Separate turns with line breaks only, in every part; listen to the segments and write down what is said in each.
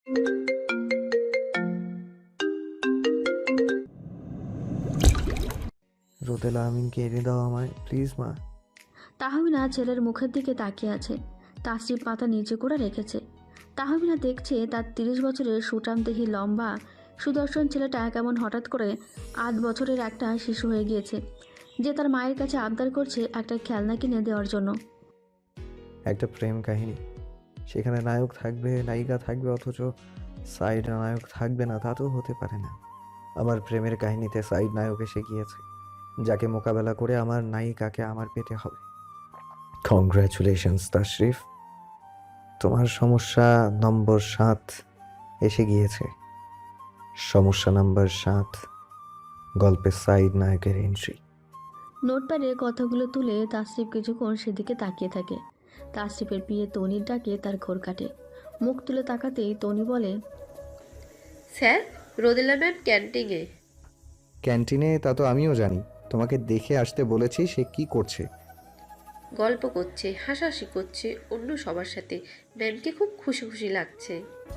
রোদেলা আমিনকে এনে দাও আমায়, প্লিজ মা।
তাহমিনা ছেলের মুখের দিকে তাকিয়ে আছে। তাসরিফ মাথা নিচে করে রেখেছে। তাহমিনা দেখছে তার 30 বছরের সুঠামদেহী লম্বা সুদর্শন ছেলেটা কেমন হঠাৎ করে 8 বছরের একটা শিশু হয়ে গিয়েছে, যে তার মায়ের কাছে আবদার করছে একটা খেলনা কিনে দেওয়ার জন্য।
একটা প্রেম কাহিনী, সেখানে নায়ক থাকবে, নায়িকা থাকবে, অথচ সাইড নায়ক থাকবে না, তা তো হতে পারে না। আমার প্রেমের কাহিনীতে সাইড নায়ক এসে গিয়েছে, যাকে মোকাবেলা করে আমার নায়িকাকে আমার পেতে হবে। কংগ্রাচুলেশনস তাশরিফ, তোমার সমস্যা নম্বর 7 এসে গিয়েছে। সমস্যা নাম্বার 7, গল্পের সাইড নায়কের এন্ট্রি।
নোটপ্যাডে কথাগুলো তুলে তাসরিফ কিছুক্ষণ সেদিকে তাকিয়ে থাকে। তাসরিফের বিয়ে তনির ডাকে তার ঘোর কাটে। মুখ তুলে তাকাতেই তনি বলে,
স্যার, রোদেলা ম্যাম ক্যান্টিনে।
ক্যান্টিনে? তা তো আমিও জানি, তোমাকে দেখে আসতে বলেছি। সে কি করছে?
গল্প করছে, হাসাহাসি করছে অন্য সবার সাথে। ম্যামকে খুব খুশি খুশি লাগছে।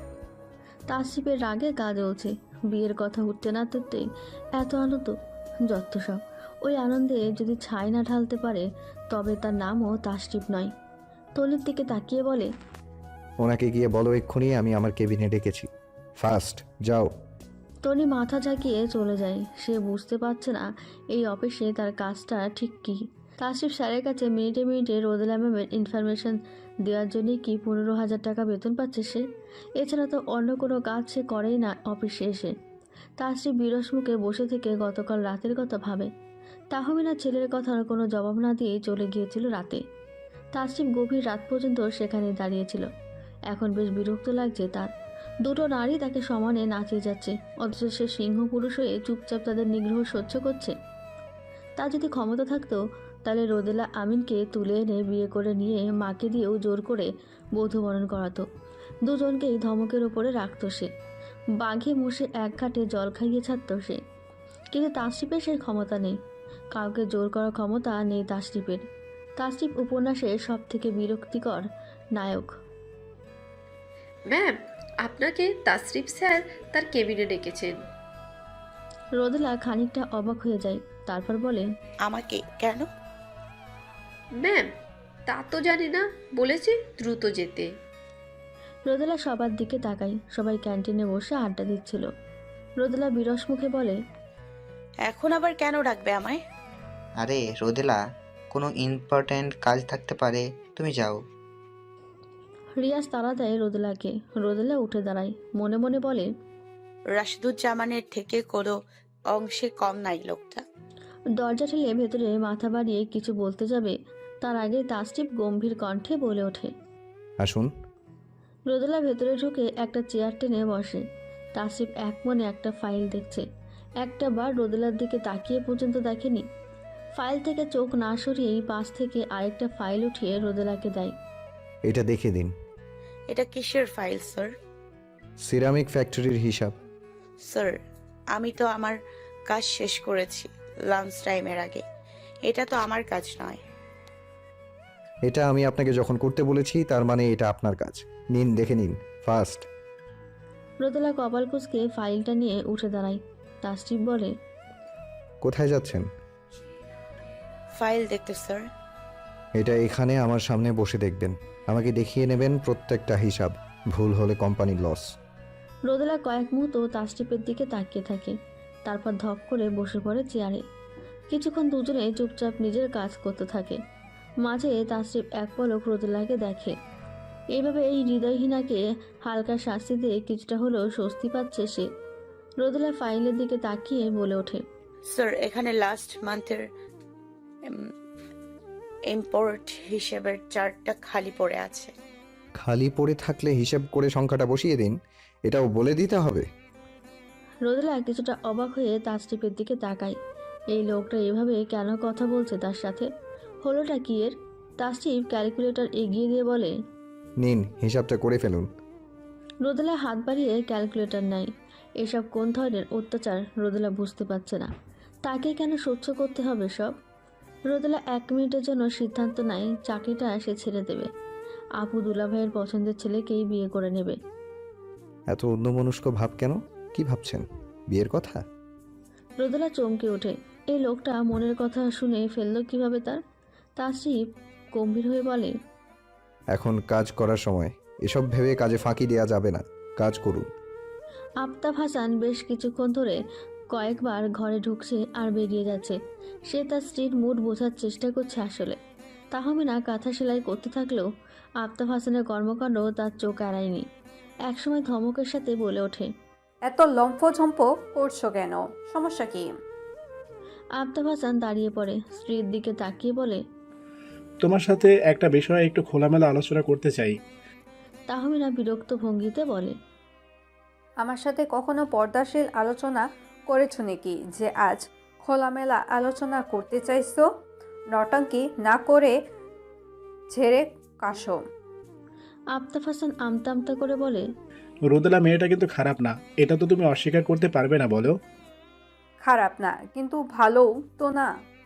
তাসরিফের রাগে গা জ্বলছে। বিয়ের কথা উঠতে না তুলতেই এত আনন্দ, যত সব। ওই আনন্দে যদি ছাই না ঢালতে পারে তবে তার নামও তাসরিফ নয়। তলির দিকে তাকিয়ে বলে,
ওনাকে গিয়ে বলো এক্ষুনি আমি আমার কেবিনে ডেকেছি। ফাস্ট যাও।
তনি মাথা ঝাঁকিয়ে চলে যায়। সে বুঝতে পারছে না এই অফিসে তার কাজটা ঠিক কী। তাসরিফ স্যারের কাছে মিনিটে মিনিটে রোদেলা ম্যামের ইনফরমেশন দেওয়ার জন্যই কি 15,000 টাকা বেতন পাচ্ছে সে? এছাড়া তো অন্য কোনো কাজ সে করেই না অফিসে এসে। তাসরিফ বিরস মুখে বসে থেকে গতকাল রাতের কথা ভাবে। তাহমিনা ছেলের কথার কোনো জবাব না দিয়ে চলে গিয়েছিল রাতে। তাসরিফ গভীর রাত পর্যন্ত সেখানে দাঁড়িয়েছিল। এখন বেশ বিরক্ত লাগছে তার। দুটো নারী তাকে সমানে নাচিয়ে যাচ্ছে, অথচ সে সিংহ পুরুষ হয়ে চুপচাপ তাদের নিগ্রহ সহ্য করছে। তা যদি ক্ষমতা থাকতো তাহলে রোদেলা আমিনকে তুলে এনে বিয়ে করে নিয়ে মাকে দিয়েও জোর করে বধূবরণ করাতো। দুজনকেই ধমকের ওপরে রাখতো সে। বাঘে মুষে এক ঘাটে জল খাইয়ে ছাড়ত সে। কিন্তু তাসরিফের সেই ক্ষমতা নেই। কাউকে জোর করার ক্ষমতা নেই তাসরিফের। তাসরিফ উপন্যাসের সব থেকে বিরক্তিকর নায়ক।
ম্যাম, আপনাকে তাসরিফ স্যার তার কেবিনে ডেকেছেন।
রোদেলা খানিকটা অবাক হয়ে যায়, তারপর বলে,
আমাকে কেন?
ম্যাম, তা তো জানি না, বলেছে দ্রুত যেতে।
রোদেলা সবার দিকে তাকায়। সবাই ক্যান্টিনে বসে আড্ডা দিচ্ছিল। রোদেলা বিরস মুখে বলে,
এখন আবার কেন ডাকবে আমায়?
আরে রোদেলা, কোনো ইম্পর্ট্যান্ট কাজ থাকতে পারে, তুমি যাও।
রিয়াজ তাড়া দেয় রোদেলাকে। রোদেলা উঠে দাঁড়ায়, মনে মনে বলে,
রাশিদুজ্জামানের থেকে কোনো অংশে কম নাই লোকটা।
দরজা ঠেলে ভেতরে মাথা বাড়িয়ে কিছু বলতে যাবে, তার আগে তাসরিফ গম্ভীর কণ্ঠে বলে ওঠে।
আসুন।
রোদেলা ভেতরে ঢুকে একটা চেয়ার টেনে বসে। তাসরিফ এক মনে একটা ফাইল দেখছে। একটা বার রোদেলার দিকে তাকিয়ে পর্যন্ত দেখেনি। ফাইল থেকে চোখ না সরিয়েই পাশ থেকে আরেকটা ফাইল উঠিয়ে রোদেলাকে দেয়।
এটা দেখে দিন।
এটা কিসের ফাইল স্যার?
সিরামিক ফ্যাক্টরির হিসাব।
স্যার, আমি তো আমার কাজ শেষ করেছি লাঞ্চ টাইমের আগে। এটা তো আমার কাজ নয়।
এটা আমি আপনাকে যখন করতে বলেছি তার মানে এটা আপনার কাজ। নিন, দেখে নিন ফাস্ট।
রোদেলা কপাল কুঁচকে ফাইলটা নিয়ে উঠে দাঁড়ায়। তাসরিফ বলে,
কোথায় যাচ্ছেন?
ফাইল দেখতে স্যার।
এটা এখানে আমার সামনে বসে দেখবেন। আমাকে দেখিয়ে নেবেন প্রত্যেকটা হিসাব। ভুল হলে কোম্পানির লস।
রোদেলা কয়েক মুহূর্ত তাসরিফের দিকে তাকিয়ে থাকে, তারপর ধপ করে বসে পড়ে চেয়ারে। কিছুক্ষণ দুজনে চুপচাপ নিজের কাজ করতে থাকে। মাঝে তাসরিফ এক পলক রোদেলাকে দেখে। এইভাবে এই হৃদয়হীনাকে হালকা শাস্তি দিয়ে কিছুটা হলেও স্বস্তি পাচ্ছে সে। রোদেলা ফাইলের দিকে তাকিয়ে বলে ওঠে,
স্যার, এখানে লাস্ট মান্থের ইম্পোর্ট হিসেবের চার্টটা খালি পড়ে আছে।
খালি পড়ে থাকলে হিসাব করে সংখ্যাটা বসিয়ে দিন, এটাও বলে দিতে হবে?
রোদেলা কিছুটা অবাক হয়ে তাসরিফের দিকে তাকায়। এই লোকটা এভাবে কেন কথা বলছে তার সাথে? হলোটা কি এর? তাসরিফ ক্যালকুলেটর এগিয়ে দিয়ে বলে,
নিন, হিসাবটা করে ফেলুন।
রোদেলা হাত বাড়িয়ে ক্যালকুলেটর নেয়। এসব কোন ধরনের অত্যাচার রোদেলা বুঝতে পারছে না। তাকে কেন সহ্য করতে হবে সব? রোদেলা 1 মিনিটের জন্য সিদ্ধান্ত নেয় চাকরিটা সে ছেড়ে দেবে। আপু দুলাভাইয়ের পছন্দের ছেলেকেই বিয়ে করে নেবে।
এত অন্যমনস্ক ভাব কেন? কি ভাবছেন? বিয়ের কথা?
রোদেলা চমকে ওঠে। এই লোকটা মনের কথা শুনে ফেললো কিভাবে তার? তাসরিফ গম্ভীর হয়ে বলে,
এখন কাজ করার সময়। এসব ভেবে কাজে ফাঁকি দেওয়া যাবে না। কাজ করুন।
আফতাব হাসান বেশ কিছুক্ষণ ধরে কয়েকবার ঘরে ঢুকছে আর বেরিয়ে যাচ্ছে। সে তার স্ত্রীর মুড বোঝার চেষ্টা করছে আসলে। তাহমিনা কাঁথা সেলাই করতে থাকলেও আফতাব হাসানের কর্মকাণ্ড তার চোখ এড়ায়নি। একসময় ধমকের সাথে বলে ওঠে,
এত লম্ফঝম্প করছো কেন? সমস্যা কি?
আফতাব হাসান দাঁড়িয়ে পড়ে, স্ত্রীর দিকে তাকিয়ে বলে,
তোমার সাথে একটা বিষয়ে একটু খোলামেলা আলোচনা করতে চাই।
তাহমিনা বিরক্ত ভঙ্গিতে বলে,
আমার সাথে কখনো পর্দাশীল আলোচনা করেছো নাকি যে আজ খোলামেলা আলোচনা করতে চাইছো? নটাঙ্কি না করে ঝেড়ে কাশো।
আফতাব হাসান আমতা আমতা করে বলে,
রোদেলা মেয়েটা কিন্তু খারাপ না, এটা তো তুমি অস্বীকার করতে পারবে না, বলো।
খারাপ না, কিন্তু ভালোও তো না।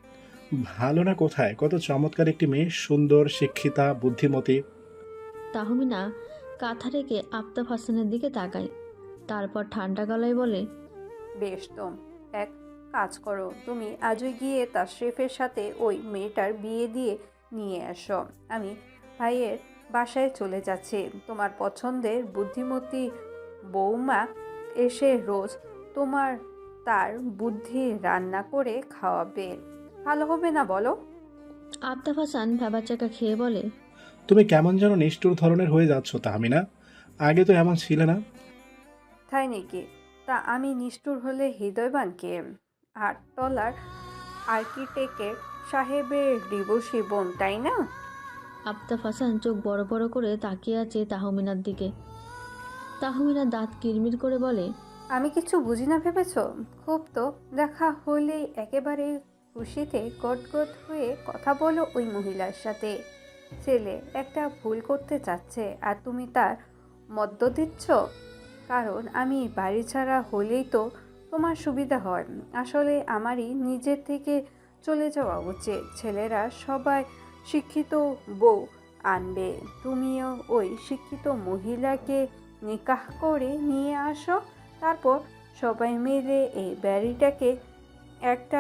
ভালো না কোথায়? কত চমৎকার একটি মেয়ে, সুন্দর, শিক্ষিতা, বুদ্ধিমতী।
তাহমিনা কাঁথা রেখে আফতাব হাসানের দিকে তাকায়, তারপর ঠান্ডা গলায় বলে,
বেশ তো, এক কাজ করো, তুমি আজই গিয়ে তাশরিফের সাথে ওই মেয়েটার বিয়ে দিয়ে নিয়ে আসো। আমি ভাইয়ের বাসায় চলে যাচ্ছি। তোমার পছন্দের বুদ্ধিমতী বৌমা এসে রোজ তোমার তার বুদ্ধি রান্না করে খাওয়াবে। ভালো হবে না বলো?
আফতাব হাসান ভ্যাবাচাকা খেয়ে বলে,
তুমি কেমন যেন নিষ্ঠুর ধরনের হয়ে যাচ্ছ তাহমিনা, আগে তো এমন ছিলে না।
তাই নাকি? তা আমি নিষ্ঠুর হলে হৃদয়বান কে? আটতলার আর্কিটেক্টের সাহেবের ডিভোর্সি বোন, তাই না?
আফতাব হাসান চোখ বড় বড় করে তাকিয়ে আছে তাহমিনার দিকে। তাহমিনা দাঁত কিরমির করে বলে,
আমি কিছু বুঝি না ভেবেছ? খুব তো, দেখা হলেই একেবারে খুশিতে গদগদ হয়ে কথা বলো ওই মহিলার সাথে। ছেলে একটা ভুল করতে চাচ্ছে আর তুমি তার মদ্য দিচ্ছ। কারণ আমি বাড়ি ছাড়া হলেই তো তোমার সুবিধা হয়। আসলে আমারই নিজের থেকে চলে যাওয়া উচিত। ছেলেরা সবাই শিক্ষিত বউ আনবে, তুমিও ওই শিক্ষিত মহিলাকে নিকাহ করে নিয়ে আসো। তারপর সবাই মিলে এই বাড়িটাকে একটা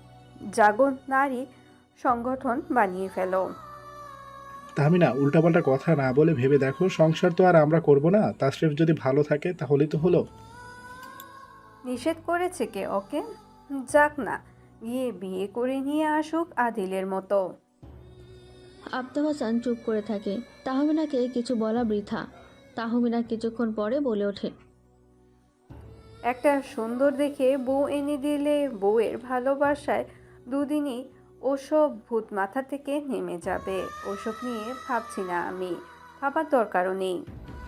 জাগন নারী সংগঠন বানিয়ে ফেলো।
তাহমিনা, উল্টাপাল্টা কথা না বলে ভেবে দেখো, সংসার তো আর আমরা করব না। তাশরিফ যদি ভালো থাকে তাহলেই তো হলো।
নিষেধ করেছে কে ওকে? যাক না, গিয়ে বিয়ে করে নিয়ে আসুক আদিলের মতো।
আফতাব হাসান চুপ করে থাকে। তাহমিনাকে কিছু বলা বৃথা। তাহমিনা কিছুক্ষণ পরে বলে ওঠে,
একটা সুন্দর দেখে বউ এনে দিলে বউয়ের ভালোবাসায় দুদিনই ওসব ভূত মাথা থেকে নেমে যাবে। ওসব নিয়ে ভাবছি না আমি, ভাবার দরকারও নেই।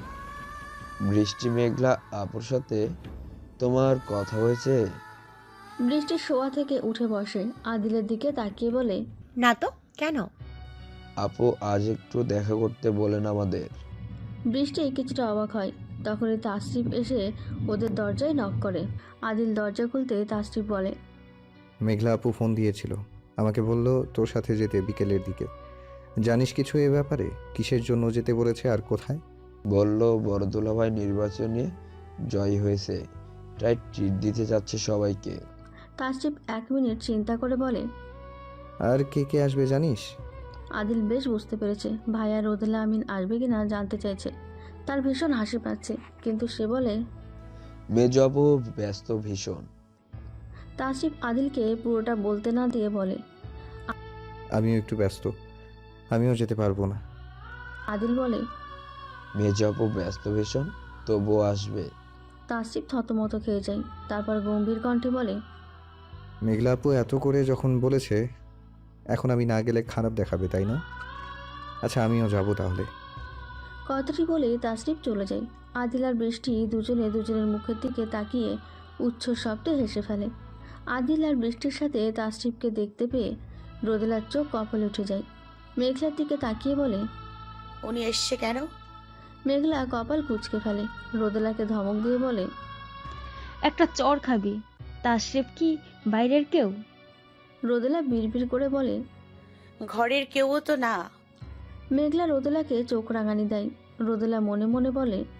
বৃষ্টি মেঘলা আপুর সাথে তোমার কথা হয়েছে?
বৃষ্টির শোয়া থেকে উঠে বসে, আদিলের দিকে তাকিয়ে বলে,
না তো, কেন?
আপু আজ একটু দেখা করতে বলেন আমাদের।
বৃষ্টি কিছুটা অবাক হয়। তখনই তাসরিফ এসে ওদের দরজায় নক করে। আদিল দরজা খুলতে তাসরিফ বলে,
মেঘলা আপু ফোন দিয়েছিল, আমাকে বলল তোর সাথে যেতে বিকেলের দিকে। জানিস কিছু এ ব্যাপারে? কিসের জন্য যেতে বলেছে আর কোথায়?
বলল বড় দুলাভাই নির্বাচনে জয়ী হয়েছে, তাই ট্রিট দিতে যাচ্ছে সবাইকে।
তাসরিফ 1 মিনিট চিন্তা করে বলে,
আর কে কে আসবে জানিস?
আদিল বেশ বুঝতে পেরেছে ভাইয়া রোদেলা আমিন আসবে কিনা জানতে চাইছে। তার ভীষণ হাসি পাচ্ছে, কিন্তু সে বলে,
মেজো আপু ব্যস্ত ভীষণ।
তাসরিফ আদিলকে পুরোটা বলতে না দিয়ে বলে,
আমিও একটু ব্যস্ত, আমিও যেতে পারবো না।
আদিল বলে,
মেজো আপু ব্যস্ত ভীষণ, তবুও আসবে।
তাসরিফ থতমত খেয়ে যায়। তারপর গম্ভীর কণ্ঠে বলে,
মেঘলা আপু এত করে যখন বলেছে, এখন আমি না গেলে খারাপ দেখাবে, তাই না? আচ্ছা, আমিও যাব তাহলে।
কথাটি বলে তাসরিফ চলে যায়। আদিল আর বৃষ্টি দুজনে দুজনের মুখের দিকে তাকিয়ে উচ্চ শব্দে হেসে ফেলে। আদিল আর বৃষ্টির সাথে তাসরিফকে দেখতে পেয়ে রোদেলার চোখ কপালে উঠে যায়। মেঘলার দিকে তাকিয়ে বলে,
উনি এসছে কেন?
মেঘলা কপাল কুঁচকে ফেলে। রোদেলাকে ধমক দিয়ে বলে,
একটা চর খাবি। তাশরিফ কি বাইরের কেউ?
রোদেলা বিড়বিড় করে বলে,
ঘরের কেউও তো না।
মেঘলা রোদেলাকে চোখ রাঙানি দেয়। রোদেলা মনে মনে বলে,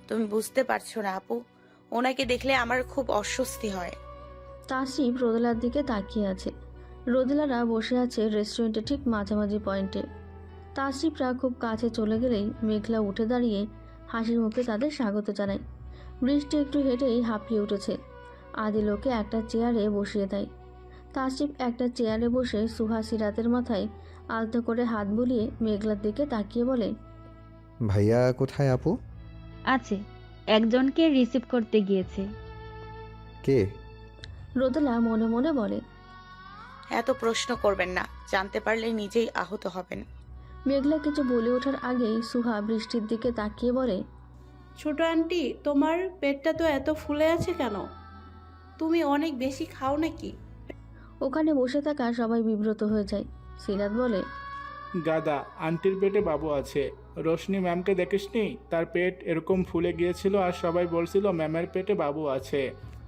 তুমি বুঝতে পারছো না আপু, ওনাকে দেখলে আমার খুব অস্বস্তি হয়।
তাসরিফ রোদেলার দিকে তাকিয়ে আছে। রোদেলারা বসে আছে রেস্টুরেন্টে ঠিক মাঝামাঝি পয়েন্টে। তাসরিফরা খুব কাছে চলে গেলেই মেঘলা উঠে দাঁড়িয়ে হাসির মুখে তাদের স্বাগত জানায়। বৃষ্টি একটু হেঁটেই হাঁপিয়ে উঠেছে। আদিল ওকে একটা চেয়ারে বসিয়ে দেয়। তাসরিফ একটা চেয়ারে বসে সুহাসি রাতের মাথায় আলতো করে হাত বুলিয়ে মেঘলার দিকে তাকিয়ে বলে,
ভাইয়া কোথায় আপু?
আছে, একজনকে রিসিভ করতে গিয়েছে।
কে?
রোদেলা মনে মনে বলে।
এত প্রশ্ন করবেন না, জানতে পারলে নিজেই আহত হবেন।
মেঘলা কিছু বলে ওঠার আগেই সুহা বৃষ্টির দিকে তাকিয়ে বলে,
ছোট আন্টি, তোমার পেটটা তো এত ফুলে আছে কেন? তুমি অনেক বেশি খাও নাকি?
ওখানে বসে থাকা সবাই বিব্রত হয়ে যায়। সিরাত বলে,
গাদা, আন্টির পেটে বাবু আছে। রোশনি ম্যামকে দেখিসনি? তার পেট এরকম ফুলে গিয়েছিল আর সবাই বলছিল ম্যামের পেটে বাবু আছে।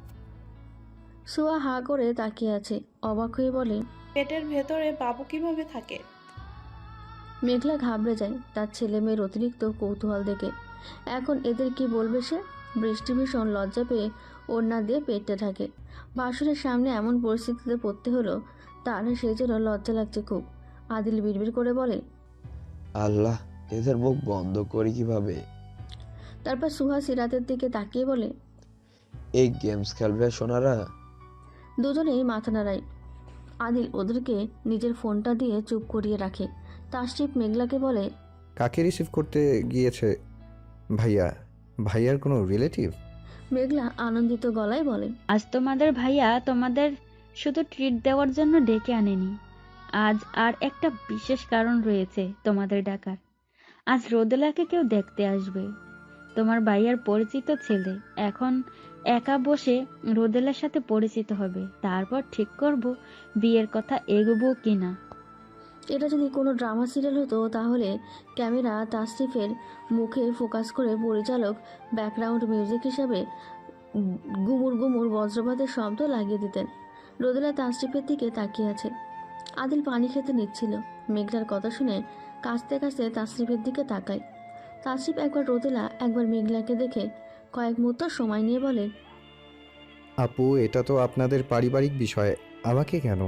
সুহা হা করে তাকিয়ে আছে, অবাক হয়ে বলে।
পেটের ভেতরে বাবু কিভাবে থাকে?
মেঘলা ঘাবড়ে যায় তার ছেলে মেয়ের অতিরিক্ত কৌতূহল দেখে। এখন এদের কি বলবে সে? বৃষ্টি ভীষণ লজ্জা পেয়ে ওড়না দিয়ে পেটটা ঢাকে। বাসুরের সামনে এমন পরিস্থিতিতে পড়তে হলো তার, সেই জন্য লজ্জা লাগছে খুব। আদিল বিড়বিড় করে বলে,
আল্লাহ, এদের মুখ বন্ধ করি কিভাবে?
তারপর সুহা সিরাতের দিকে তাকিয়ে বলে,
এই গেমস খেলবে সোনারা?
দুজনেই মাথা নাড়ায়। আদিল ওদেরকে নিজের ফোনটা দিয়ে চুপ করিয়ে রাখে। তাসরিফ মেঘলাকে বলে,
কাকে রিসিভ করতে গিয়েছে ভাইয়া? ভাইয়ার কোনো রিলেটিভ?
মেঘলা আনন্দিত গলায় বলে,
আজ তোমাদের ভাইয়া তোমাদের শুধু ট্রিট দেওয়ার জন্য ডেকে আনেনি। আজ আর একটা বিশেষ কারণ রয়েছে তোমাদের ডাকার। আজ রোদেলাকে কেউ দেখতে আসবে, তোমার ভাইয়ার পরিচিত ছেলে। এখন একা বসে রোদেলার সাথে পরিচিত হবে, তারপর ঠিক করব বিয়ের কথা এগোবো কিনা।
এটা যদি কোনো ড্রামা সিরিয়াল হতো তাহলে ক্যামেরা তাসরিফের মুখে ফোকাস করে পরিচালক ব্যাকগ্রাউন্ড মিউজিক হিসাবে গুমুর গুমুর বজ্রপাতের শব্দ লাগিয়ে দিতেন। রোদেলা তাসরিফের দিকে তাকিয়ে আছে। আদিল পানি খেতে নিচ্ছিল। মেঘলার কথা শুনে কাঁচতে কাঁচতে তাসরিফের দিকে তাকায়। তাসরিফ একবার রোদেলা একবার মেঘলাকে দেখে কয়েক মুহূর্ত সময় নিয়ে বলে,
আপু, এটা তো আপনাদের পারিবারিক বিষয়, আমাকে কেন?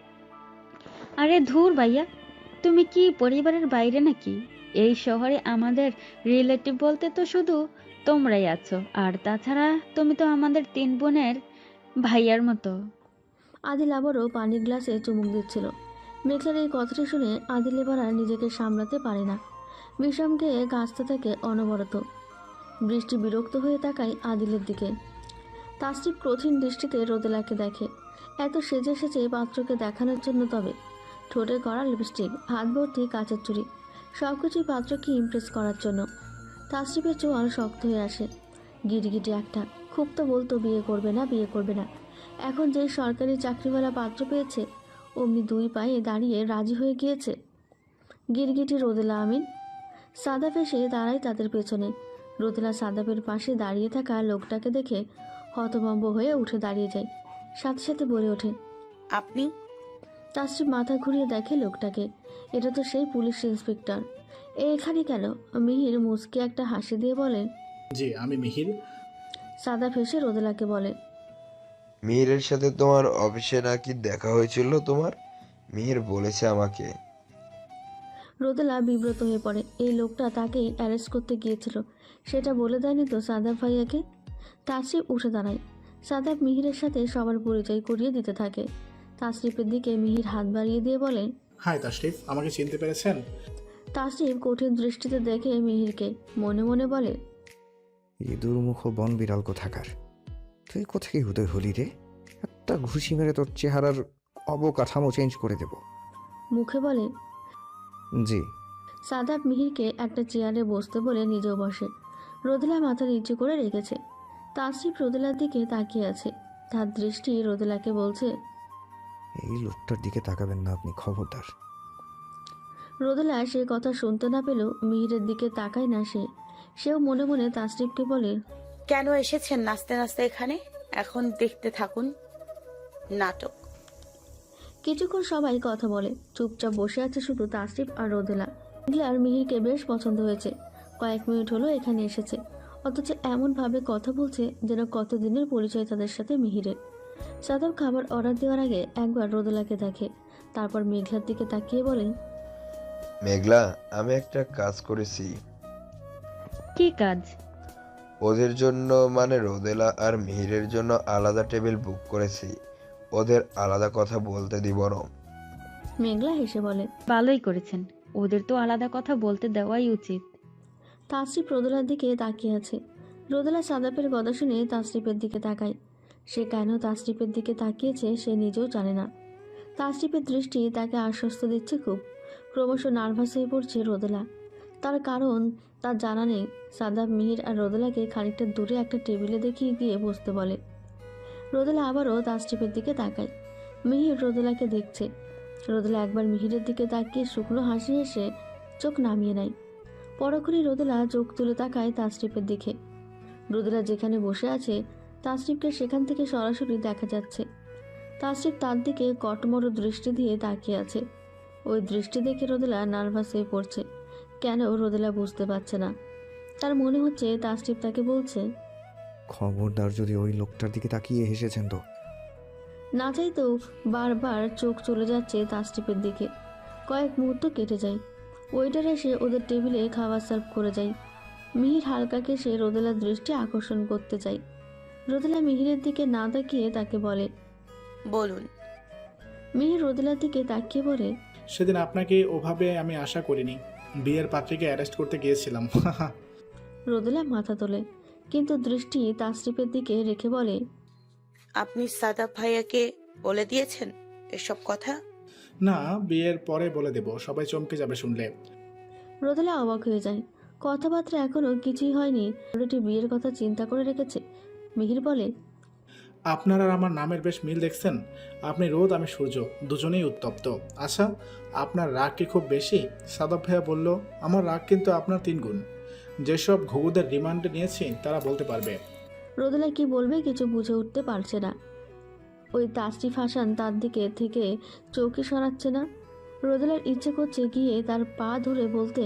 আরে ধুর ভাইয়া, তুমি কি পরিবারের বাইরে নাকি? এই শহরে আমাদের রিলেটিভ বলতে তো শুধু তোমরাই আছো, আর তাছাড়া তুমি তো আমাদের 3 বোনের ভাইয়ার মতো।
আদিল আবারও পানির গ্লাসে চুমুক দিচ্ছিল। মেঘলার এই কথাটি শুনে আদিল এবার আর নিজেকে সামলাতে পারে না। বিষমকে কাঁচতে থাকে অনবরত। বৃষ্টি বিরক্ত হয়ে তাকায় আদিলের দিকে। তাসরিফ কঠিন দৃষ্টিতে রোদেলাকে দেখে। এত সেজে সেজে পাত্রকে দেখানোর জন্য, তবে ঠোঁটে করা লিপস্টিক, হাত ভর্তি কাচের চুড়ি, সবকিছুই পাত্রকে ইমপ্রেস করার জন্য। তাসরিফের চোয়াল শক্ত হয়ে আসে। গিরগিটি একটা, খুব তো বলতো বিয়ে করবে না, বিয়ে করবে না। এখন যে সরকারি চাকরিওয়ালা পাত্র পেয়েছে, অমনি 2 পায়ে দাঁড়িয়ে রাজি হয়ে গিয়েছে। গিরগিটি রোদেলা আমিন। সাদাফ এসে দাঁড়ায় তাদের পেছনে। রোদেলা সাদাফের পাশে দাঁড়িয়ে থাকা লোকটাকে দেখে হতভম্ব হয়ে উঠে দাঁড়িয়ে যায়। সাথে সাথে বলে ওঠে,
আপনি?
তাসরিফ মাথা ঘুরিয়ে দেখে লোকটাকে। এটা তো সেই পুলিশ ইন্সপেক্টর। এখানে কেন? মিহির মুচকে একটা হাসি দিয়ে বলে,
জি, আমি মিহির।
সাদাফ এসে রোদেলাকে বলে,
মিহিরের সাথে তোমার অফিসে নাকি দেখা হয়েছিল তোমার? মিহির বলেছে আমাকে।
রোদেলা বিব্রত হয়ে পড়ে। এই লোকটা তাকেই অ্যারেস্ট করতে গিয়েছিল, সেটা বলে দেয়নি তো সাদাফ ভাইয়াকে। তাসরিফ উঠে দাঁড়ায়। সাদাফ মিহিরের সাথে সবার পরিচয় করিয়ে দিতে থাকে। তাসরিফের দিকে মিহির হাত বাড়িয়ে দিয়ে বলে,
হাই তাশরিফ, আমাকে চিনতে পেরেছেন?
তাসরিফ কঠিন দৃষ্টিতে দেখে মিহিরকে, মনে মনে বলে,
ইঁদুর মুখ বন বিড়াল কোথাকার, তুই কোথায় উদয় হলি রে? একটা ঘুষি মেরে তোর চেহারার অবকাঠামো চেঞ্জ করে দেব।
মুখে বলে।
জি।
সাদাফ মিহিরকে একটা চেয়ারে বসতে বলে নিজেও বসে। রোদেলা মাথা নিচু করে রেখেছে। তাসরিফ রোদেলার দিকে তাকিয়ে আছে। তার দৃষ্টি রোদেলাকে বলছে,
এই লোকটার দিকে তাকাবেন না আপনি, খবরদার।
রোদেলা সে কথা শুনতে না পেলেও মিহিরের দিকে তাকায় না সে। সেও মনে মনে তাসরিফকে বলে,
কেন এসেছেন নাচতে নাচতে এখানে? এখন দেখতে থাকুন নাটক।
কিছুক্ষণ সবাই কথা বলে। চুপচাপ বসে আছে শুধু তাসরিফ আর রোদেলা। মেঘলার মিহিরকে বেশ পছন্দ হয়েছে। কয়েক মিনিট হলো এখানে এসেছে। অথচ এমনভাবে কথা বলছে যেন কতদিনের পরিচয় তাদের সাথে মিহিরের। সাদাব খাবার অর্ডার দেওয়ার আগে একবার রোদেলাকে দেখে, তারপর মেঘলার দিকে তাকিয়ে বলেন,
মেঘলা, আমি একটা কাজ করেছি।
কি কাজ?
ওদের জন্য মানে রোদেলা আর মিহিরের জন্য আলাদা টেবিল বুক করেছি। ওদের আলাদা কথা বলতে দিব না।
মেঘলা হেসে বলে।
ভালোই করেছেন, ওদের তো আলাদা কথা বলতে দেওয়াই উচিত।
তাসরিফ রোদেলার দিকে তাকিয়ে আছে। রোদেলা সাদাপের কথা শুনে তাসরিফের দিকে তাকায়। সে কেন তাসরিফের দিকে তাকিয়েছে সে নিজেও জানে না। তাসরিফের দৃষ্টি তাকে আশ্বস্ত দিচ্ছে খুব। ক্রমশ নার্ভাস হয়ে পড়ছে রোদেলা। তার কারণ তার জানা নেই। সাদাব মিহির আর রোদেলাকে খানিকটা দূরে একটা টেবিলে দেখিয়ে গিয়ে বসতে বলে। রোদেলা আবারও তাসরিফের দিকে তাকায়। মিহির রোদেলাকে দেখছে। রোদেলা একবার মিহিরের দিকে তাকিয়ে শুকনো হাসি হেসে চোখ নামিয়ে নেয়। পরক্ষণে রোদেলা চোখ তুলে তাকায় তাসরিফের দিকে। রোদেলা যেখানে বসে আছে তাসরিফকে সেখান থেকে সরাসরি দেখা যাচ্ছে। তাসরিফ তার দিকে কটমট দৃষ্টি দিয়ে তাকিয়ে আছে। ওই দৃষ্টি দেখে রোদেলা নার্ভাস হয়ে পড়ছে। কেন রোদেলা বুঝতে পারছে না। তার মনে হচ্ছে তাসরিফ তাকে বলছে,
খবরদার যদি ওই লোকটার দিকে তাকিয়ে হেসেছেন তো।
না চাইতেও বারবার চোখ চলে যাচ্ছে তাসরিফের দিকে। কয়েক মুহূর্ত কেটে যায়। ওয়েটার এসে ওদের টেবিলে খাবার সার্ভ করে যায়। মিহির হালকা কেসে রোদেলার দৃষ্টি আকর্ষণ করতে চায়। রোদেলা মিহিরের দিকে না তাকিয়ে তাকে বলে,
বলুন।
মিহির রোদেলার দিকে তাকিয়ে বলে,
সেদিন আপনাকে ওভাবে আমি আশা করিনি। বিয়ের পাত্রীকে অ্যারেস্ট করতে গিয়েছিলাম।
রোদেলা মাথা তোলে, কিন্তু দৃষ্টি তাসরিফের দিকে রেখে বলে,
আপনি সাদাব ভাইয়াকে বলে দিয়েছেন এসব কথা?
না, বিয়ের পরে বলে দেব, সবাই চমকে যাবে শুনলে।
রোদেলা অবাক হয়ে যায়। কথাবার্তা এখনো কিছুই হয়নি, অলরেডি বিয়ের কথা চিন্তা করে রেখেছে। মিহির বলে,
আপনার আর আমার নামের বেশ মিল দেখছেন। আপনি রোদ, আমি সূর্য, দুজনেই উত্তপ্ত। আচ্ছা, আপনার রাগ কি খুব বেশি? সাদাব ভাইয়া বলল, আমার রাগ কিন্তু আপনার 3 গুণ। যেসব ঘুঘুদের রিমান্ডে নিয়েছি তারা বলতে পারবে।
রোদেলা কি বলবে কিছু বুঝে উঠতে পারছে না। ওই তাসরিফ হাসান তার দিকে থেকে চৌকি সরাচ্ছে না। রোদেলার ইচ্ছে করছে গিয়ে তার পা ধরে বলতে,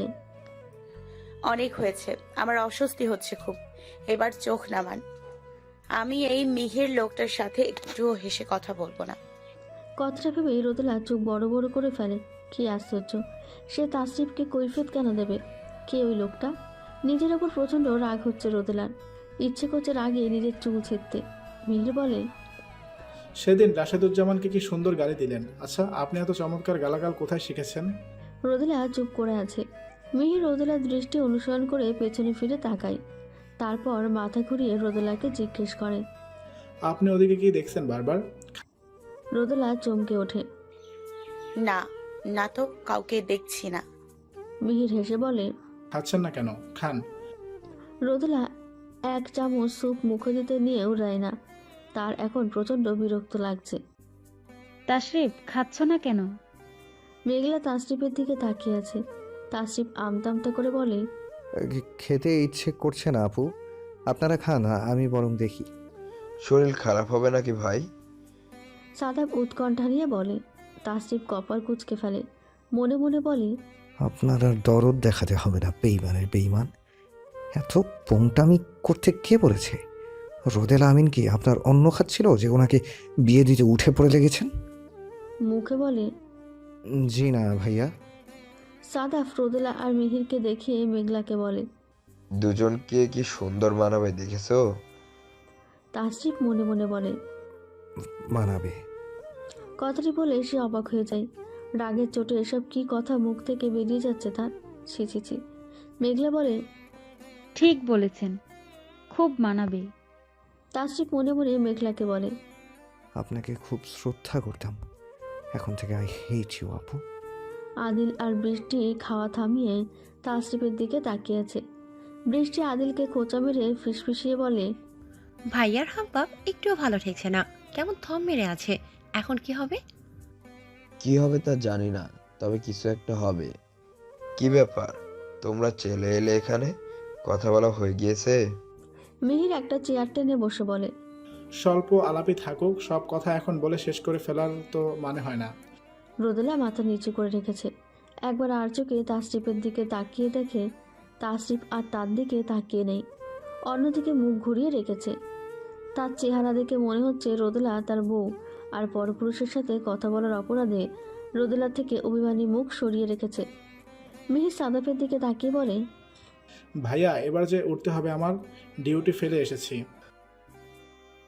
অনেক হয়েছে, আমার অস্বস্তি হচ্ছে খুব, এবার চোখ নামান। আমি এই মিহির লোকটার সাথে একটুও হেসে কথা বলবো না।
কথাটা ভেবে রোদেলা চোখ বড় বড় করে ফেলে। কি আশ্চর্য, সে তাসরিফকে কৈফিয়ত কেন দেবে? কে ওই লোকটা? নিজের ওপর প্রচণ্ড রাগ হচ্ছে রোদেলার। ইচ্ছে করছে রাগে নিজের চুল ছিঁড়তে। মিহির বলে,
সেদিন রাশেদুজ্জামানকে কি সুন্দর গালি দিলেন। আচ্ছা, আপনি এত চমৎকার গালাগাল কোথায় শিখেছেন?
রোদেলা চুপ করে আছে। মিহির রোদেলার দৃষ্টি অনুসরণ করে পেছনে ফিরে তাকায়। তারপর মাথা ঘুরিয়ে রোদেলাকে জিজ্ঞেস করে,
আপনি ওদিকে কি দেখছেন বারবার?
রোদেলা চমকে ওঠে।
না, না তো কাউকে দেখছি না।
মিহির হেসে বলে,
খাচ্ছেন না কেন? খান।
রোদেলা এক চামচ স্যুপ মুখে দিতে নিয়েও দেয় না। তার এখন প্রচণ্ড বিরক্ত লাগছে।
তাশরিফ, খাচ্ছ না কেন?
মেঘলা তাসরিফের দিকে তাকিয়ে আছে। তাসরিফ আমতা করে বলে,
খেতে ইচ্ছে করছে না আপু, আপনারা খান, আমি বরং দেখি।
শরীর খারাপ হবে নাকি ভাই?
সাদাব উৎকণ্ঠা নিয়ে বলে। তাসরিফ কপাল কুঁচকে ফেলে। মনে মনে বলে,
আপনার আর দরদ দেখাতে হবে না, বেইমানের বেইমান। এত পোংটামি করতে কে বলেছে? রোদেলা আমিন কি আপনার অন্য খাচ্ছিল যে ওনাকে বিয়ে দিতে উঠে পড়ে লেগেছেন?
মুখে বলে,
জি না ভাইয়া।
সাদাব রোদেলা আর মিহিরকে দেখিয়ে মেঘলাকে বলে,
দুজনকে কি সুন্দর মানাবে দেখেছো?
তাসরিফ মনে মনে বলে,
মানাবে।
কথাটি বলে সে অবাক হয়ে যায়। রাগের চোটে এসব কি কথা মুখ থেকে বেরিয়ে যাচ্ছে তার। ছি ছি ছি। মেঘলা বলে,
ঠিক বলেছেন, খুব মানাবে।
তাসরিফ মনে মনে মেঘলাকে বলে,
আপনাকে খুব শ্রদ্ধা করতাম, এখন থেকে আই হেট ইউ আপু।
আদিল আর বৃষ্টি খাওয়া থামিয়ে তাসরিফের দিকে তাকিয়ে আছে। বৃষ্টি আদিলকে খোঁচা মেরে ফিসফিসিয়ে বলে,
ভাইয়ার হাবভাব একটুও ভালো ঠেকছে না, কেমন থম মেরে আছে। এখন কি হবে?
কি হবে তা জানি না, তবে কিছু একটা হবে। কি ব্যাপার, তোমরা চলে এলে এখানে? কথা বলা হয়ে গিয়েছে?
মিহির একটা চেয়ার টেনে বসে বলে,
স্বল্প আলাপি থাকুক, সব কথা এখন বলে শেষ করে ফেলার তো মানে হয় না।
রোদেলা মাথা নিচু করে রেখেছে। একবার আর চোখে তাসরিফের দিকে তাকিয়ে দেখে তাসরিফ আর তার দিকে তাকিয়ে নেই। অন্যদিকে মুখ ঘুরিয়ে রেখেছে। তার চেহারা দেখে মনে হচ্ছে রোদেলা তার বউ, আর পরপুরুষের সাথে কথা বলার অপরাধে রোদেলা থেকে অভিমানী মুখ সরিয়ে রেখেছে। মিহির সাদাফের দিকে তাকিয়ে বলে,
ভাইয়া এবার যে উঠতে হবে, আমার ডিউটি ফেলে এসেছি।